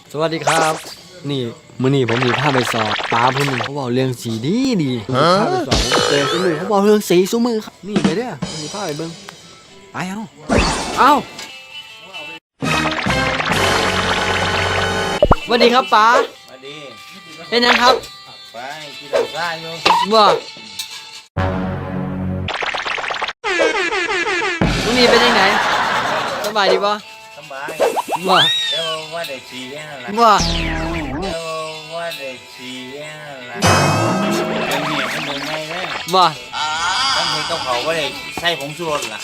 สวัสดีครับนี่มื้อนี้ผมมีพาไปสอบปลาผู้หนึงเขาบอกเรื่องสีดีพาไปสอบผมเจอซุมือเขาบอกเรื่องสีซุมือครับนี่ไปเด้อผมมีพาไปเบิ่งไปเอาสวัสดีครับป๋าสวัสดีเป็นยังครับไปกินเหล้าซ่าอยู่ว่ามื้อนี้เป็นยังไงสบายดีป่ะสบายว่าเดี๋ยวว่าได้ฉี่แค่นั้นละว่าเดี๋ยวว่าได้ฉี่แค่นั้นละเป็นเมียเป็นหนึ่งไงเลยว่าตั้งแต่กับเขาว่าได้ใส่ผงชูรสล่ะ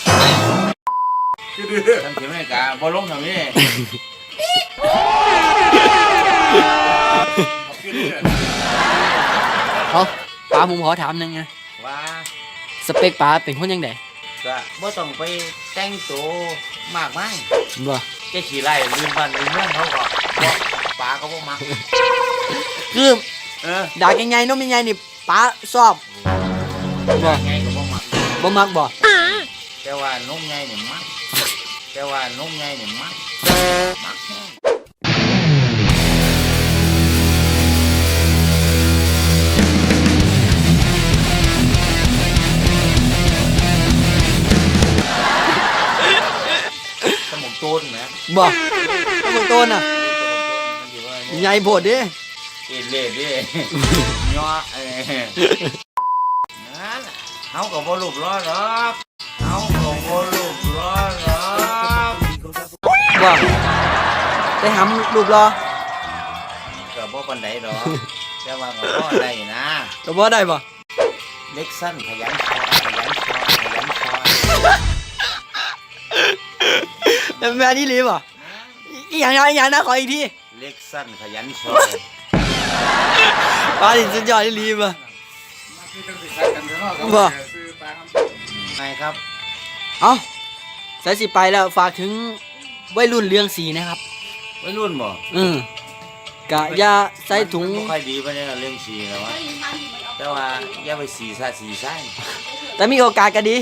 ตั้งแต่ไม่กะบอลงทำนี่เอาป๋าผมขอถามหนึงไงว่าสเปคป๋าเป็นคนยังไงก็บ่ต้องไปแต่งตัวมากมายว่าแค่ขี่ไล่ลืมบ้านลืมเมืองเขาก็ปลาเขาบ่มักคือด่ายังไงน้องยังไงนี่ป๋าชอบบ่ไงก็บ่มักบ่แต่ว่าน้องไงเนี่ยมักแต่ว่าน้องไงเนี่ยมักสมองต้นไหมบ่สมองต้นอ่ะใหญ่โพดดิเอ็นเล่ดิย่อนั่นเขาก็บ่รูปล้อหรอกเขาก็บ่รูปล้อหรอกบ่ไปหำรูปรอก็บ่ปานใดดอกแต่ว่าก็พอได้นะก็บ่ได้บ่เล็กสั้นขยันซอยแล้วแม่นี่รีบบ่อีหยังนะขออีกทีเล็กสั้นขยันซอยป๋าดิสุดยอดนี่รีบบ่บ่ไงครับเอ้าสายสิไปแล้วฝากถึงวัยรุ่นเรื่องสีนะครับวัยรุ่นบ่กะอย่าใส่ถุงบ่ค่อยดีปานใดเรื่องสีนะวะแต่ว่าอย่าไปสีซะสีใส่แต่มีโอกาสก็ดี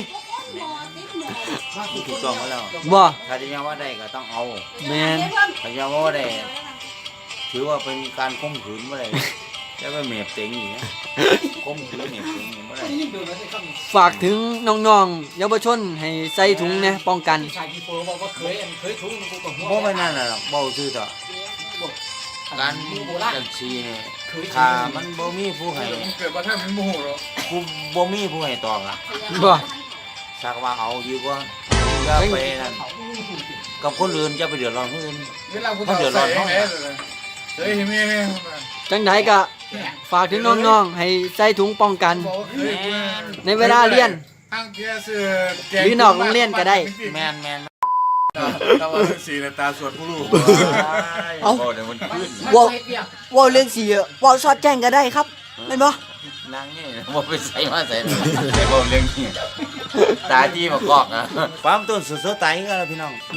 ถูกต้องแล้วบ่ถ้าจะยังว่าได้ก็ต้องเอาแม่นถ้ายังว่าได้ถือว่าเป็นการข่มขืนบ่ได้จะไปเมียบเต็งอย่างเงี้ยข่มขืนเมียบเต็งบ่ได้ฝากถึงน้องๆเยาวชนให้ใส่ถุงนะป้องกันบ่ไปนั่นน่ะเบาซื่อต่อการจังซี่นี่ถ้ามันบ่มีผู้ให้เกิดมาแทบไม่โมโหหรอกผู้บ่มีผู้ให้ตอบล่ะบ่สักว่าเอาดีกว่าอย่าไปนั่นกับคนอื่นอย่าไปเดือดร้อนคนอื่นเขาเดือดร้อนเขาจังไดก็ฝากถึงน้องๆให้ใส่ถุงป้องกันในเวลาเรียนหรือนอกโรงเรียนก็ได้แม่นตาว่าสีตาสวดผู้ลูกเอาว่าเรื่องสีว่าซอดแจ้งก็ได้ครับเห็นบ่นางนี่บ่ไปใส่มาใส่แต่บ่เรื่องนี้ตาจี้มากอกอ่ะความต้นสุดๆตายก็แล้วพี่น้อง